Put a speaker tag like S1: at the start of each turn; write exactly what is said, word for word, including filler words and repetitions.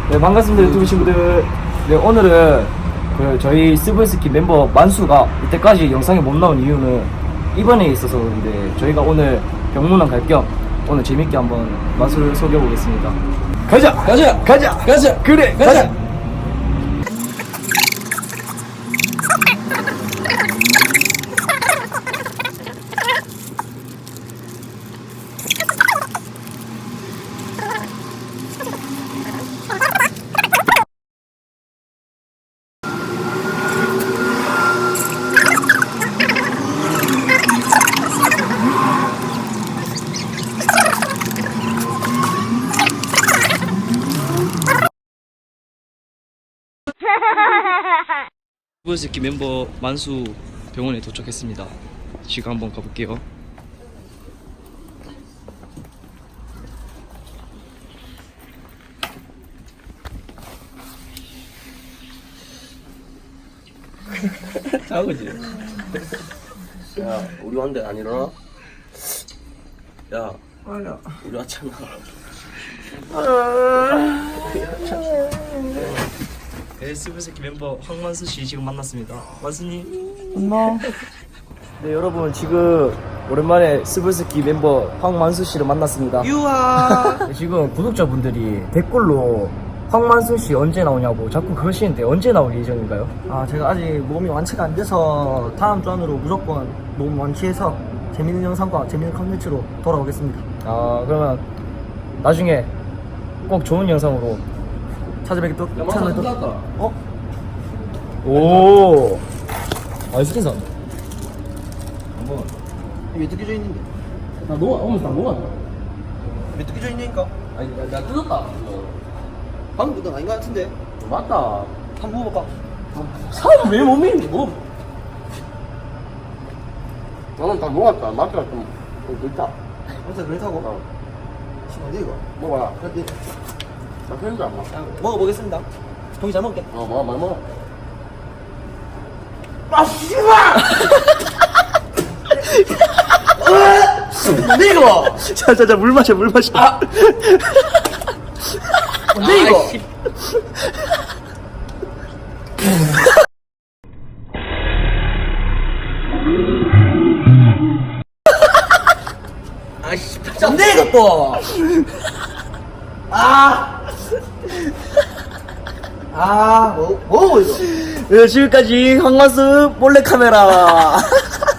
S1: 네, 반갑습니다 유튜브 친구들. 네, 오늘은 그 저희 스브스키 멤버 만수가 이때까지 영상에 못 나온 이유는 이번에 있어서 그런데, 저희가 오늘 병문안 갈 겸 오늘 재밌게 한번 만수를 소개해 보겠습니다. 가자 가자 가자 가자 그래 가자, 가자. 스브스키 멤버 만수 병원에 도착했습니다. 지금 한번 가볼게요. 자고지.
S2: 야, 우리 왔는데 안 일어나? 야, 아니야. 우리 왔잖아.
S1: 네, 스브스키 멤버 황만수 씨 지금 만났습니다. 만수님. 안녕. 네, 여러분 지금 오랜만에 스브스키 멤버 황만수 씨를 만났습니다.
S2: 유아.
S1: 네, 지금 구독자분들이 댓글로 황만수 씨 언제 나오냐고 자꾸 그러시는데 언제 나올 예정인가요?
S3: 아, 제가 아직 몸이 완치가 안 돼서 다음 주 안으로 무조건 몸 완치해서 재밌는 영상과 재밌는 컨텐츠로 돌아오겠습니다.
S1: 아, 그러면 나중에 꼭 좋은 영상으로
S3: 찾아뵙겠도
S2: 야,
S3: 찾아뵙도
S2: 맞다.
S3: 어?
S1: 오. 아, 스킨선.
S2: 한번.
S3: 왜 뜯겨져 있는데?
S2: 나 녹아, 오면서 나 녹았다.
S3: 왜 뜯겨져 있냐니까?
S2: 아니, 나, 나 뜯었다.
S3: 방금 그건 아닌 것 같은데?
S2: 맞다.
S3: 한번 먹어볼까?
S2: 사람 왜 몸이 뭐? 나는 다 녹았다. 맛이가 좀, 좀 늙다.
S3: 아무튼 그렇다고?
S2: 어.
S3: 지금 어디 이거?
S2: 먹어라.
S3: 그래,
S2: 나 편지 안 먹어.
S3: 자, 먹어보겠습니다. 형이 잘 먹을게.
S2: 어, 먹어, 많이 먹어.
S3: 아, 씨발! 뭔데 이거?
S1: 자, 자, 자, 물 마셔, 물 마셔. 아.
S3: 뭔데 이거? 아씨, 뭔데 이거 또? 아, 아, 뭐, 뭐 이거?
S1: 네, 지금까지 황만수 몰래카메라.